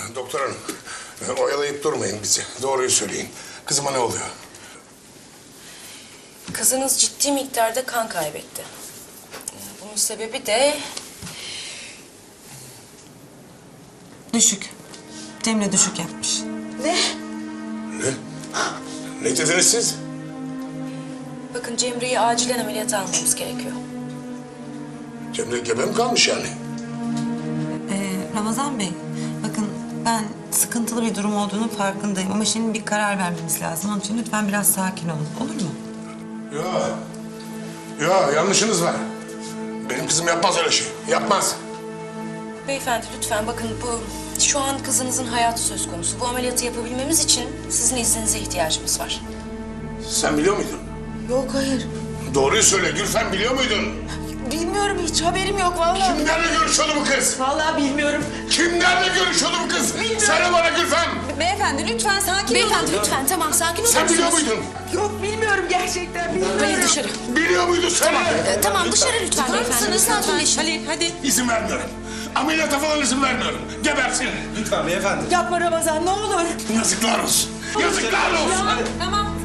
Doktor hanım, oyalayıp durmayın bizi. Doğruyu söyleyin. Kızıma ne oluyor? Kızınız ciddi miktarda kan kaybetti. Bunun sebebi de... Düşük. Cemre düşük yapmış. Ne? Ne dediniz siz? Bakın Cemre'yi acilen ameliyata almamız gerekiyor. Cemre gebe mi kalmış yani? Ramazan Bey, bakın ben sıkıntılı bir durum olduğunun farkındayım ama şimdi bir karar vermemiz lazım. Onun için lütfen biraz sakin olun, olur mu? Yok, yanlışınız var. Benim kızım yapmaz öyle şey, yapmaz. Beyefendi lütfen bakın şu an kızınızın hayatı söz konusu. Bu ameliyatı yapabilmemiz için sizin izninize ihtiyacımız var. Sen biliyor muydun? Yok hayır. Doğruyu söyle, Gülfem biliyor muydun? Bilmiyorum, hiç haberim yok vallahi. Kimlerle görüşüyordu bu kız? Vallahi bilmiyorum. Kimlerle görüşüyordu bu kız? Söyle bana Gülfem. Beyefendi lütfen sakin olun. Beyefendi lütfen tamam sakin olun. Sen biliyor muydun? Yok bilmiyorum gerçekten bilmiyorum. Halil dışarı. Biliyor muydun söyle. Tamam dışarı lütfen beyefendi. Sakinleşin. Halil hadi. İzin vermiyorum. Ameliyata falan izin vermiyorum. Gebersin. Lütfen beyefendi. Yapma Ramazan ne olur. Yazıklar olsun. Yazıklar olsun. Tamam.